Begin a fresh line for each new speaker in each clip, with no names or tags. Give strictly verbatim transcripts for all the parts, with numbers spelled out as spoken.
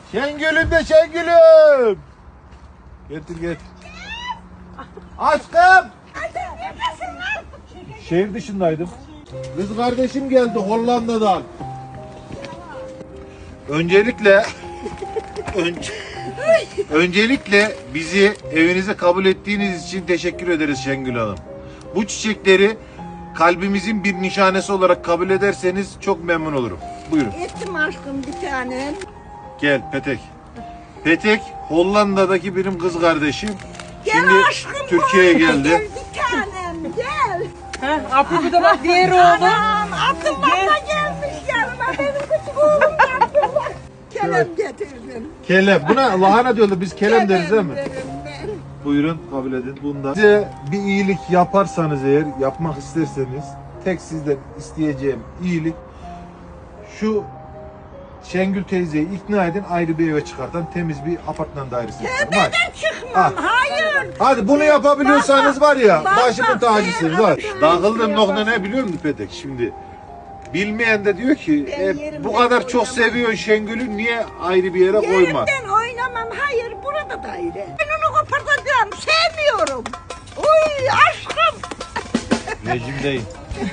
Şengül'üm de Şengül'üm. Getir getir. Aşkım. Şehir dışındaydım. Kız kardeşim geldi Hollanda'dan. Öncelikle önce, öncelikle bizi evinize kabul ettiğiniz için teşekkür ederiz Şengül Hanım. Bu çiçekleri kalbimizin bir nişanesi olarak kabul ederseniz çok memnun olurum. Buyurun.
Ettim aşkım bir tanem.
Gel Petek. Petek Hollanda'daki benim kız kardeşim.
Gel
Şimdi
aşkım.
Türkiye'ye
Gel
geldi.
bir tanem gel.
Heh, Apo'yu da bak diğer oğlu.
Anam Abdullah da gelmiş yanıma. Benim küçük oğlum Abdullah. Kelem getirdim.
Kelem. Buna lahana diyorlar. Biz kelem deriz değil mi?
derim ben.
Buyurun kabul edin. Bunda size bir iyilik yaparsanız eğer, yapmak isterseniz tek sizden isteyeceğim iyilik şu Şengül teyzeyi ikna edin, ayrı bir eve çıkartan temiz bir apartman dairesi yapalım. Hadi.
Ben çıkmam.
Ah.
Hayır.
Hadi bunu yapabiliyorsanız var ya,
Bak,
başımın
bak,
tacısınız
ben-
var.
ben-
Dağıldığım
ben-
nokta ne biliyor musun Petek? Şimdi bilmeyen de diyor ki
Ben
e,
yerimden
bu kadar çok
oynamam.
seviyorsun Şengül'ü niye ayrı bir yere koyma?
Yerimden oynamam. Hayır burada daire. Ben onu kopartacağım. Sevmiyorum. Uy aşkım.
Rejimdeyim.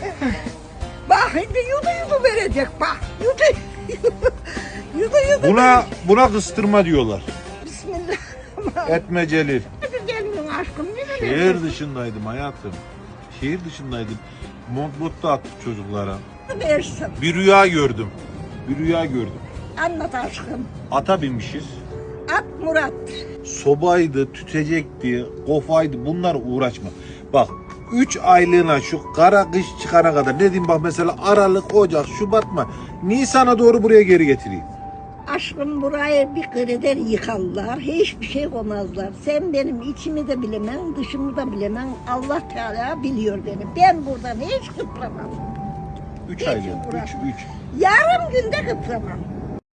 Bak şimdi yudu yudu verecek bak. Yudu yudu yudu.
Buna buna kıstırma diyorlar.
Bismillah.
Etme Celil.
Hadi gelmiyorsun aşkım. Yürü
Şehir dışındaydım hayatım. Şehir dışındaydım. Mont mutlu attık çocuklara.
versin.
Bir rüya gördüm. Bir rüya gördüm.
Anlat aşkım.
Ata binmişiz.
At Murat.
Sobaydı, tütecekti, kofaydı. Bunlar uğraşma. Bak üç aylığına şu kara kış çıkana kadar ne diyeyim bak mesela Aralık, Ocak, Şubat mı? Nisan'a doğru buraya geri getireyim.
Aşkım burayı bir kreder yıkarlar. Hiçbir şey koymazlar. Sen benim içimi de bilemem, dışımı da bilemem. Allah Teala biliyor beni. Ben buradan hiç kıpramam.
Üç
Hiç
aylığına. Üç,
uğraşma.
üç.
Yarım günde kıpramam.